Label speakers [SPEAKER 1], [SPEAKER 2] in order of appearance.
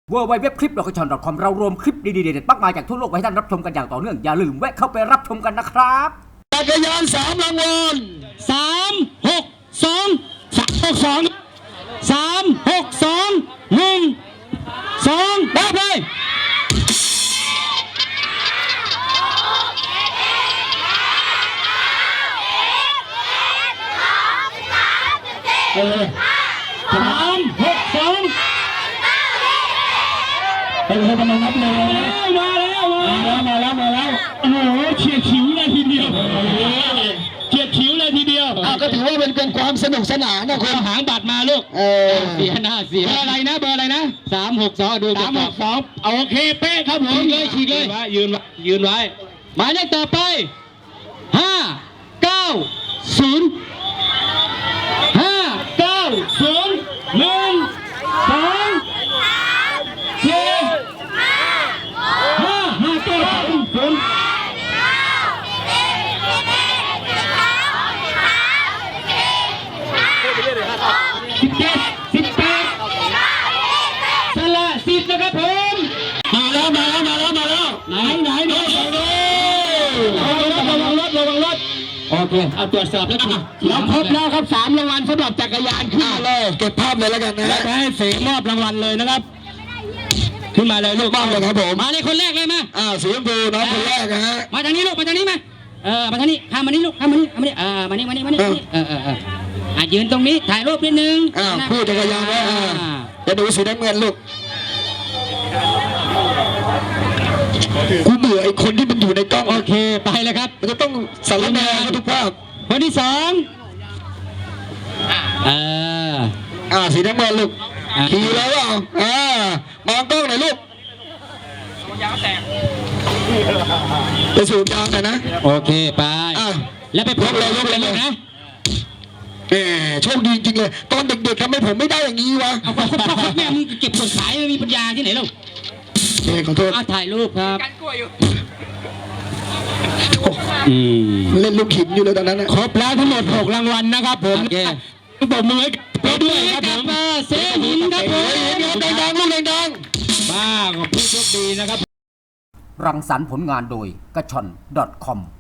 [SPEAKER 1] www.clip.com เรารวมคลิปดีๆเด็ดๆมากมายจากทั่วโลกไว้ให้ท่านรับชมกันอย่างต่อเนื่องอย่าลืมแวะเข้าไปรับชมกันนะครับ
[SPEAKER 2] จักรยาน3 รางวัล
[SPEAKER 3] 362รับเลย362เป็นคนกำลังนับเลยมาแล้วโอ้โหเฉียดฉิวเลยทีเดียว
[SPEAKER 2] ก็ถือว่าเป็นความสนุกสนานนะคุณ
[SPEAKER 3] หางบัตรมาลูกเสียเบอร์อะไรนะ362ดู362โอเคเป๊ะครับผมฉีกเลยยืนไว้หมายเลขต่อไปนะครับผมมาแล้วไหนระวังรถโอเคเอาตรวจสอบแล้วเราครบแล้วครับ3 รางวัลสำหรับจักรยานขึ้นมาเลย
[SPEAKER 2] เก็บภาพเลยแล้วกันนะ
[SPEAKER 3] แล้วให้เสกมอบรางวัลเลยนะครับขึ้นมาเลยลูก
[SPEAKER 2] มอบเลยครับผม
[SPEAKER 3] มาเลยคนแรกเลยมา
[SPEAKER 2] สีชมพูน้องคนแรกนะฮะ
[SPEAKER 3] มาทางนี้ลูกมาทางนี้มามาทางนี้ข้ามมานี่ลูกข้ามมานี่มานี่ยืนตรงนี้ถ่ายรูปนิดนึง
[SPEAKER 2] ผู้จักรยานนะจะดูสีน้ำเงินลูกกูเบื่อไอ้คนที่มันอยู่ในกล้อง
[SPEAKER 3] โอเคไปเลยครับ
[SPEAKER 2] มันจะต้องสารแนทุกภาพ
[SPEAKER 3] คนที่2
[SPEAKER 2] สีน้ำเงินลูกขี่แล้วมองกล้องหน่อยลูกไปสูบยางกันนะ
[SPEAKER 3] โอเคไปแล้วไปพบเลยลูกนะ
[SPEAKER 2] โชคดีจริงเลยตอนเด็กๆทำไมผมไม่ได้อย่างนี้วะ
[SPEAKER 3] เอาแม่มึงเก็บส่วนขายไม่มีปัญญาที่ไหนลูก
[SPEAKER 2] ขอโทษ
[SPEAKER 3] ถ่ายรูปครับ
[SPEAKER 2] เล่นลูกหินอยู่เลยตอนนั้น
[SPEAKER 3] ครบแล้วทั้งหมด6 รางวัลนะครับผมปรบมือไปด้วยครับผมเซหินครับผม
[SPEAKER 2] ดังๆลูกดัง
[SPEAKER 3] ๆบ้าของผู้โชคดีนะครับ
[SPEAKER 1] รังสรรค์ผลงานโดยกระชอน .com